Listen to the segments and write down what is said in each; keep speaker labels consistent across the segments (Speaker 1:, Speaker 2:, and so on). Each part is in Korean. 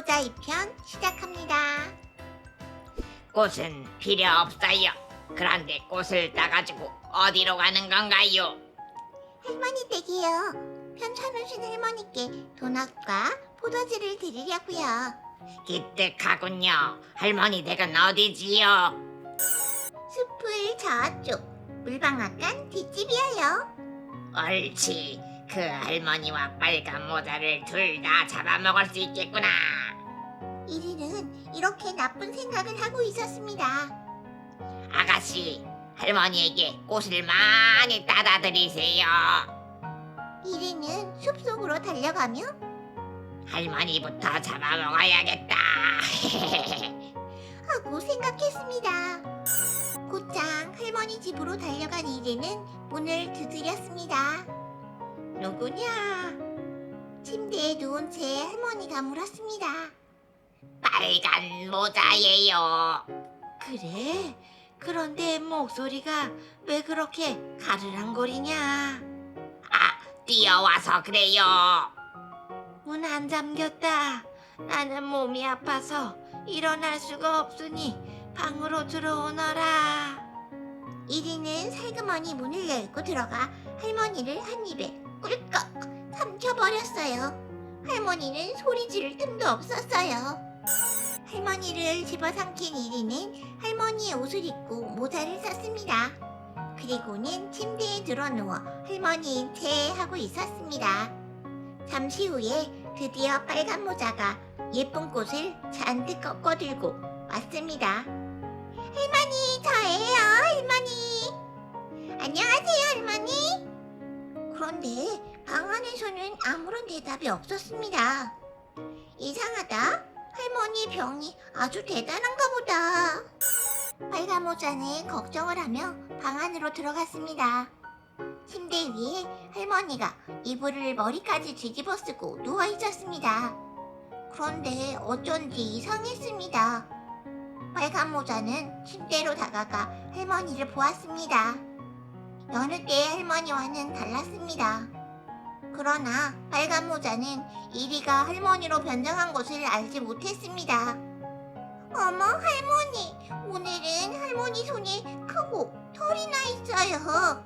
Speaker 1: 모자 2편 시작합니다.
Speaker 2: 꽃은 필요 없어요. 그런데 꽃을 따가지고 어디로 가는 건가요?
Speaker 1: 할머니 댁이요. 편찮으신 할머니께 도넛과 포도주를 드리려고요.
Speaker 2: 기특하군요. 할머니 댁은 어디지요?
Speaker 1: 숲을 저쪽 물방앗간 뒷집이에요.
Speaker 2: 옳지. 그 할머니와 빨간 모자를 둘 다 잡아먹을 수 있겠구나.
Speaker 1: 이리는 이렇게 나쁜 생각을 하고 있었습니다.
Speaker 2: 아가씨, 할머니에게 꽃을 많이 따다 드리세요.
Speaker 1: 이리는 숲속으로 달려가며
Speaker 2: 할머니부터 잡아먹어야겠다.
Speaker 1: 하고 생각했습니다. 곧장 할머니 집으로 달려간 이리는 문을 두드렸습니다. 누구냐? 침대에 누운 채 할머니가 물었습니다.
Speaker 2: 빨간 모자예요.
Speaker 1: 그래? 그런데 목소리가 왜 그렇게 가르랑거리냐?
Speaker 2: 뛰어와서 그래요.
Speaker 1: 문 안 잠겼다. 나는 몸이 아파서 일어날 수가 없으니 방으로 들어오너라. 이리는 살그머니 문을 열고 들어가 할머니를 한 입에 꿀꺽 삼켜버렸어요. 할머니는 소리 지를 틈도 없었어요. 할머니를 집어삼킨 이리는 할머니의 옷을 입고 모자를 썼습니다. 그리고는 침대에 들어누워 할머니인 채 하고 있었습니다. 잠시 후에 드디어 빨간 모자가 예쁜 꽃을 잔뜩 꺾어들고 왔습니다. 할머니, 저예요, 할머니. 안녕하세요, 할머니. 그런데 방 안에서는 아무런 대답이 없었습니다. 이상하다. 할머니 병이 아주 대단한가 보다. 빨간 모자는 걱정을 하며 방 안으로 들어갔습니다. 침대 위에 할머니가 이불을 머리까지 뒤집어 쓰고 누워 있었습니다. 그런데 어쩐지 이상했습니다. 빨간 모자는 침대로 다가가 할머니를 보았습니다. 여느 때의 할머니와는 달랐습니다. 그러나 빨간 모자는 이리가 할머니로 변장한 것을 알지 못했습니다. 어머, 할머니, 오늘은 할머니 손이 크고 털이 나 있어요.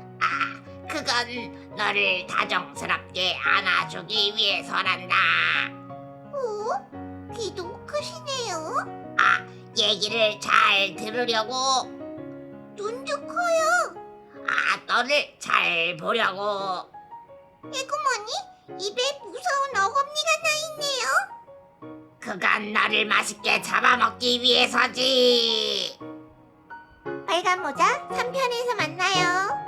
Speaker 2: 그건 너를 다정스럽게 안아주기 위해서란다.
Speaker 1: 오, 귀도 크시네요.
Speaker 2: 얘기를 잘 들으려고.
Speaker 1: 눈도 커요.
Speaker 2: 너를 잘 보려고.
Speaker 1: 에구머니, 입에 무서운 어금니가 나 있네요.
Speaker 2: 그건 너를 맛있게 잡아먹기 위해서지.
Speaker 1: 빨간 모자 3편에서 만나요.